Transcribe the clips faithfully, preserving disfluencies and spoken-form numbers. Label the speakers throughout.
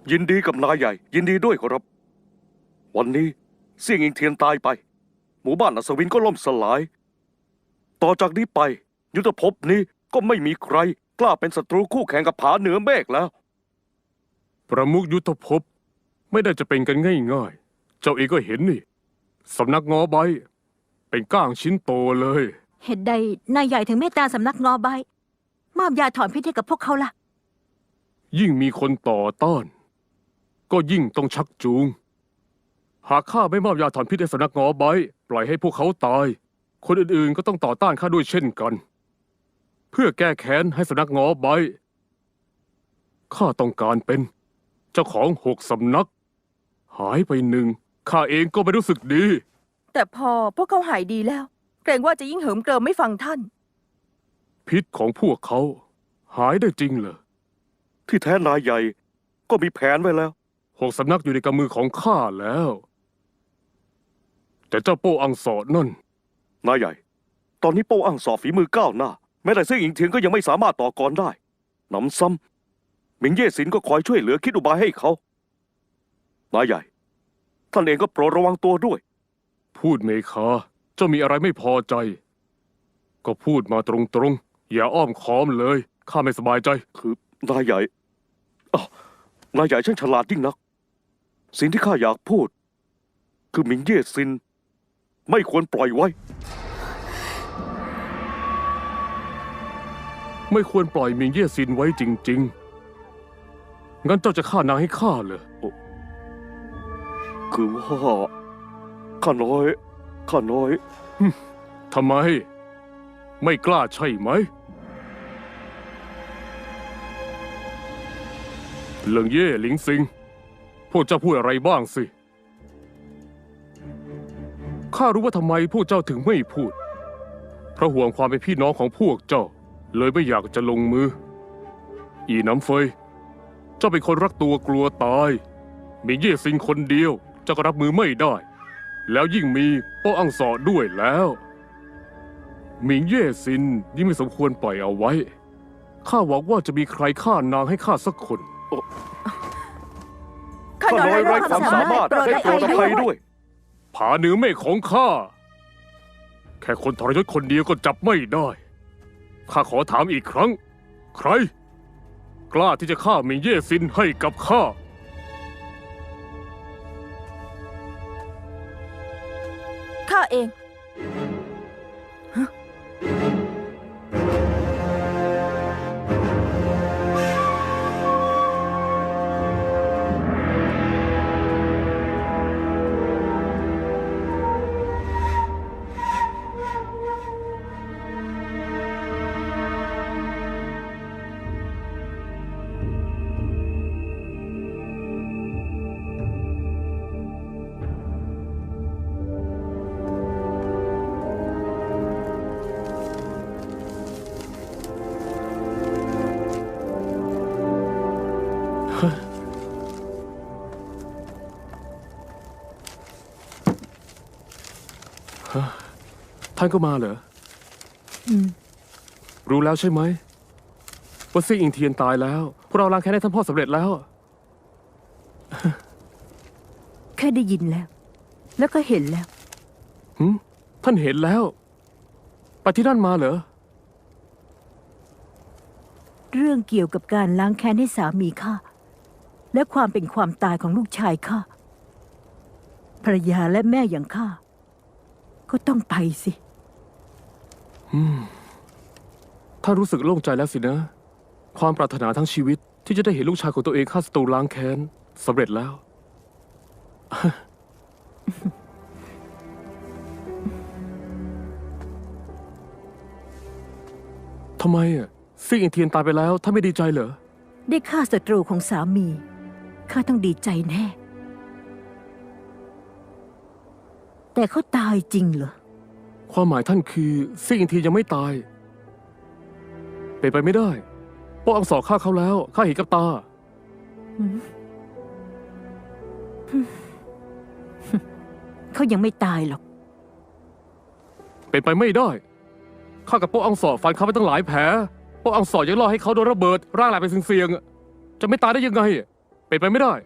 Speaker 1: ยินดีกับนายใหญ่ยินดีด้วยครับวันนี้เสี่ยงอิงเทียนตายไปหมู่บ้านอัศวินก็ล่มสลายต่อจากนี้ไปยุทธภพนี้ก็ไม่มีใครกล้าเป็นศัตรูคู่แข่งกับผาเหนือเมฆแล้ว
Speaker 2: ประมุขยุทธภพไม่ได้จะเป็นกันง่ายๆเจ้าเองก็เห็นนี่สำนักงอใบเป็นก้างชิ้นโตเลย
Speaker 3: เหตุใดนายใหญ่ถึงเมตตาสำนักงอใบมอบยาถอนพิษให้กับพวกเขาล่ะ
Speaker 2: ยิ่งมีคนต่อต้านก็ยิ่งต้องชักจูงหากข้าไม่มอบยาถอนพิษให้สำนักงอใบปล่อยให้พวกเขาตายคนอื่นๆก็ต้องต่อต้านข้าด้วยเช่นกันเพื่อแก้แค้นให้สำนักงอใบข้าต้องการเป็นเจ้าของหกสำนักหายไปหนึ่งข้าเองก็ไม่รู้สึกดี
Speaker 4: แต่พอพวกเขาหายดีแล้วเกรงว่าจะยิ่งเหิมเกริมไม่ฟังท่าน
Speaker 2: พิษของพวกเขาหายได้จริงเหรอ
Speaker 1: ที่แท้นายใหญ่ก็มีแผนไว้แล้ว
Speaker 2: หกสำนักอยู่ในกำมือของข้าแล้วแต่เจ้าโป้อังสอดนั่น
Speaker 1: นายใหญ่ตอนนี้โป้อังสอฝีมือก้าวหน้าแม้แต่เสี่ยงอิงเทียนก็ยังไม่สามารถต่อกรได้หนำซ้ำหมิงเย่สินก็คอยช่วยเหลือคิดอุบายให้เขานายใหญ่ท่านเองก็โปรดระวังตัวด้วย
Speaker 2: พูดเมคาเจ้ามีอะไรไม่พอใจก็พูดมาตรงๆอย่าอ้อมค้อมเลยข้าไม่สบายใจ
Speaker 1: คือนายใหญ่อ้าวนายใหญ่ช่างฉลาดยิ่งนักสิ่งที่ข้าอยากพูดคือหมิงเย่ซินไม่ควรปล่อยไว้
Speaker 2: ไม่ควรปล่อยหมิงเย่ซินไว้จริงๆงั้นเจ้าจะฆ่านางให้ข้าเหรอ
Speaker 1: คือว่าข้าน้อยข้าน้อย
Speaker 2: ทำไมไม่กล้าใช่ไหมเหลิงเย่หลิงซิงพวกเจ้าพูดอะไรบ้างสิข้ารู้ว่าทำไมพวกเจ้าถึงไม่พูดเพราะห่วงความเป็นพี่น้องของพวกเจ้าเลยไม่อยากจะลงมืออีน้ำเฟยเจ้าเป็นคนรักตัวกลัวตายมีเย่ซิงคนเดียวเจ้าก็รับมือไม่ได้แล้วยิ่งมีโป้อังสอด้วยแล้วหมิงเย่ซินยิ่งไม่สมควรปล่อยเอาไว้ข้าหวังว่าจะมีใครฆ่านางให้ข้าสักคน
Speaker 1: ข้าน้อยไร้ความสามารถให้โปรดอภัยด้วย
Speaker 2: ผาเหนือเมฆของข้าแค่คนทรยศคนเดียวก็จับไม่ได้ข้าขอถามอีกครั้งใครกล้าที่จะฆ่าหมิงเย่ซินให้กับข้า
Speaker 4: ข้าเอง
Speaker 2: ท่านก็มาเหรอ
Speaker 3: อืม
Speaker 2: รู้แล้วใช่ไหมว่าซี่อิงเทียนตายแล้วพวกเราล้างแค้นให้ท่านพ่อสำเร็จแล้ว
Speaker 3: แค่ได้ยินแล้วแล้วก็เห็นแล้ว
Speaker 2: หืมท่านเห็นแล้วไปที่นั่นมาเหรอ
Speaker 3: เรื่องเกี่ยวกับการล้างแค้นให้สามีข้าและความเป็นความตายของลูกชายข้าภรรยาและแม่อย่างข้าก็ต้องไปสิ
Speaker 2: ถ้ารู้สึกโล่งใจแล้วสินะความปรารถนาทั้งชีวิตที่จะได้เห็นลูกชายของตัวเองฆ่าศัตรูล้างแค้นสำเร็จแล้วทำไมอ่ะซี่อิงเทียนตายไปแล้วท่านไม่ดีใจเหรอ
Speaker 3: ได้ฆ่าศัตรูของสามีข้าต้องดีใจแน่แต่เขาตายจริงเหรอ
Speaker 2: ความหมายท่านคือซี่อิงเทียนยังไม่ตายเป็นไปไม่ได้โป้อังสอฆ่าเขาแล้วข้าเห็นกับตา
Speaker 3: เขายังไม่ตายหรอก
Speaker 2: เป็นไปไม่ได้ข้ากับโป้อังสอฟันเขาไปตั้งหลายแผลโป้อังสอยังรอให้เขาโดนระเบิดร่างแหลกไปเสี่ยงๆจะไม่ตายได้ยังไงเป็นไปไม่ได้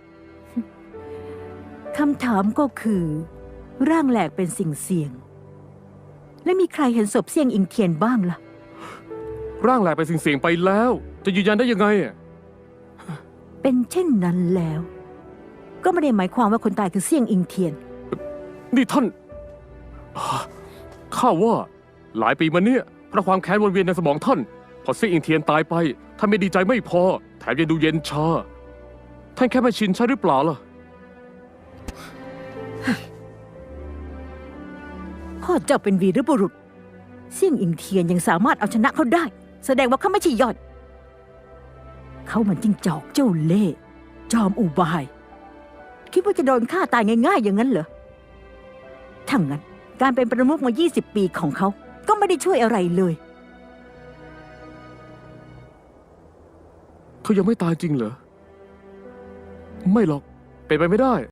Speaker 3: คำถามก็คือ ร่างแหลกเป็นสิ่งเสี่ยง และมีใครเห็นศพเสี่ยงอิงเทียนบ้างล่ะ
Speaker 2: ร่างแหลกเป็นสิ่งเสี่ยงไปแล้ว จะยืนยันได้ยังไงอะ
Speaker 3: เป็นเช่นนั้นแล้ว ก็ไม่ได้หมายความว่าคนตายคือเสี่ยงอิงเทียน
Speaker 2: นี่ท่านอ่าข้าว่า หลายปีมาเนี่ยเพราะความแค้นวนเวียนในสมองท่าน พอเซี่ยงอิงเทียนตายไปท่านไม่ดีใจไม่พอ แถมยังดูเย็นชา ท่านแค่ไม่ชินใช่หรือเปล่าล่ะ
Speaker 3: พ่อเจ้าเป็นวีรบุรุษเสี่ยงอิงเทียนยังสามารถเอาชนะเขาได้ แสดงว่าเขาไม่ใช่ยอด เขามันจิ้งจอกเจ้าเล่ห์จอมอุบาย คิดว่าจะโดนฆ่าตายง่ายๆอย่างนั้นเหรอถ้างั้นการเป็นประมุขมา ยี่สิบ ปีของเขา ก็ไม่ได้ช่วยอะไรเลย
Speaker 2: เขายังไม่ตายจริงเหรอ ไม่หรอก เป็นไปไม่ได้